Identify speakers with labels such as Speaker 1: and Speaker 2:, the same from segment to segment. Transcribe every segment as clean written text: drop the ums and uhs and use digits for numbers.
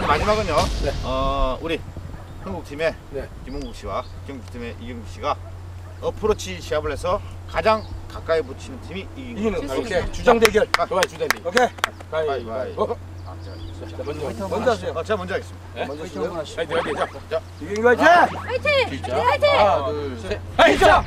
Speaker 1: 마지막은요.
Speaker 2: 네.
Speaker 1: 우리 한국팀의
Speaker 2: 네.
Speaker 1: 김홍국 씨와 경기팀의 이경규 씨가 어프로치 시합을 해서 가장 가까이 붙이는 팀이 이기는
Speaker 2: 이기는. 오케이. 주장 대결.
Speaker 1: 좋아요, 주장 대결.
Speaker 2: 오케이.
Speaker 1: 가위바위보.
Speaker 2: 먼저 하세요.
Speaker 1: 제가 먼저 하겠습니다.
Speaker 2: 네?
Speaker 3: 먼저 하시고요.
Speaker 2: 화이팅.
Speaker 1: 자,
Speaker 2: 이경규 화이팅!
Speaker 4: 화이팅!
Speaker 1: 시작.
Speaker 4: 화이팅!
Speaker 1: 하나, 둘, 셋.
Speaker 2: 화이팅!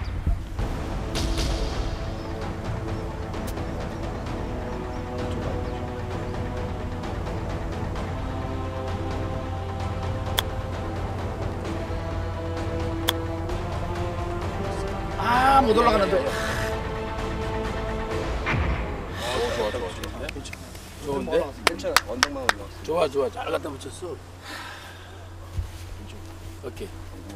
Speaker 1: 못 올라가는데.
Speaker 2: 좋은데?
Speaker 3: 괜찮아. 언덕만 올라왔어.
Speaker 2: 좋아. 잘 갖다 붙였어. 오케이.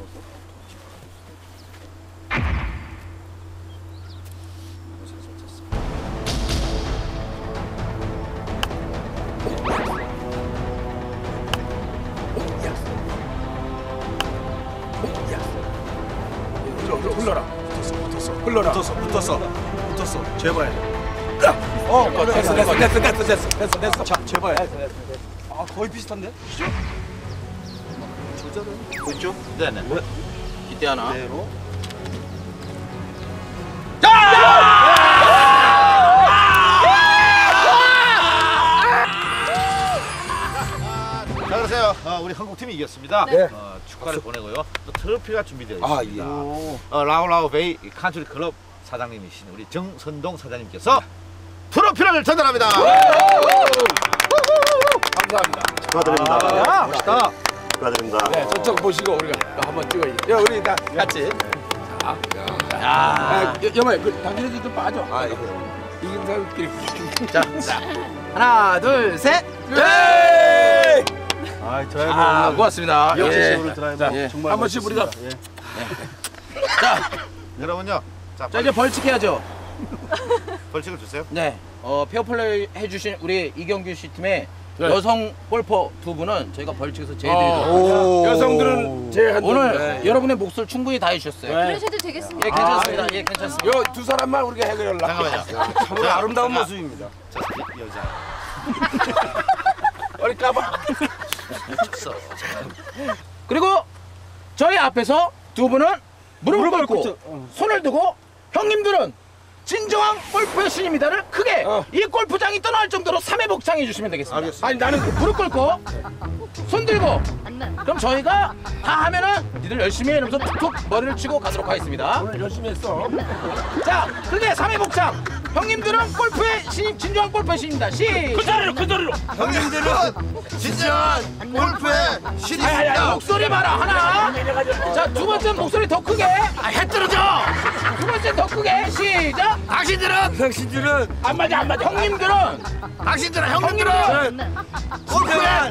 Speaker 2: 흘러라.
Speaker 3: 붙었어. 제발.
Speaker 2: 됐어.
Speaker 3: 자, 제발. 아, 거의 비슷한데? 조절은
Speaker 1: 보이죠? 네네.
Speaker 2: 이때 하나.
Speaker 3: 그대로.
Speaker 1: 자, 그러세요. 우리 한국팀이 이겼습니다.
Speaker 2: 네.
Speaker 1: 축하를 보내고요. 또 트로피가 준비되어
Speaker 2: 아,
Speaker 1: 있습니다.
Speaker 2: 예.
Speaker 1: 라오라오 베이 칸트리 클럽 사장님이신 우리 정선동 사장님께서 트로피를 전달합니다.
Speaker 2: 감사합니다.
Speaker 5: 축하드립니다.
Speaker 1: 멋있다.
Speaker 5: 축하드립니다.
Speaker 2: 네, 저쪽 보시고 우리가 한번 찍어야지. 야, 우리 다 같이. 여마, 당신도 좀 빠져. 이긴 사람끼리.
Speaker 3: 자. 하나, 둘, 셋.
Speaker 2: 네!
Speaker 3: 드라이브.
Speaker 2: 고맙습니다.
Speaker 3: 역대식으로 드라이브.
Speaker 2: 자,
Speaker 3: 정말
Speaker 2: 한 번씩 우리가.
Speaker 3: 자,
Speaker 1: 여러분요. 자,
Speaker 3: 이제 벌칙 해야죠.
Speaker 1: 벌칙을 주세요.
Speaker 3: 네. 페어플레이 해주신 우리 이경규 씨 팀의
Speaker 2: 네.
Speaker 3: 여성 골퍼 두 분은 저희가 벌칙에서 제해드리도록.
Speaker 2: 여성들은 제한.
Speaker 3: 오늘 여러분의 몫을 충분히 다 해주셨어요.
Speaker 4: 그러셔도 되겠습니다.
Speaker 3: 예, 괜찮습니다. 예, 괜찮습니다.
Speaker 2: 요 두 사람만 우리가 해결하려.
Speaker 1: 잠깐만요.
Speaker 2: 참으로 아름다운 모습입니다.
Speaker 1: 저 여자.
Speaker 2: 머리 까봐.
Speaker 3: 그리고 저희 앞에서 두 분은 무릎을 꿇고 손을 두고 형님들은 진정한 골프의 신입니다를 크게 이 골프장이 떠날 정도로 3회 복창해 주시면 되겠습니다.
Speaker 1: 알겠습니다.
Speaker 3: 아니 나는 무릎 꿇고 손 들고 그럼 저희가 다 하면은 니들 열심히 해 이러면서 툭툭 머리를 치고 가도록 하겠습니다.
Speaker 2: 오늘 열심히 했어.
Speaker 3: 자 크게 3회 복창 형님들은 골프의 신입 진정한 골프의 신입니다. 시작!
Speaker 2: 그 자리로.
Speaker 1: 형님들은 진정한 골프의 신입니다.
Speaker 3: 목소리 봐라 하나 자 두 번째 목소리 더 크게 해 떨어져 두 번째 더 크게 시작
Speaker 2: 당신들은
Speaker 3: 안 맞아 형님들은 형님들은
Speaker 1: 골프의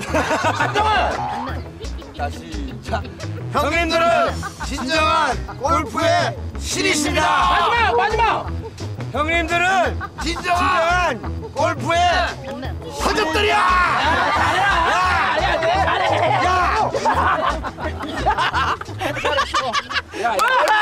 Speaker 3: 진정한
Speaker 1: 형님들은 진정한 골프의 신이십니다.
Speaker 3: 마지막
Speaker 2: 형님들은
Speaker 1: 진정한 골프의 서적들이야.
Speaker 3: 잘해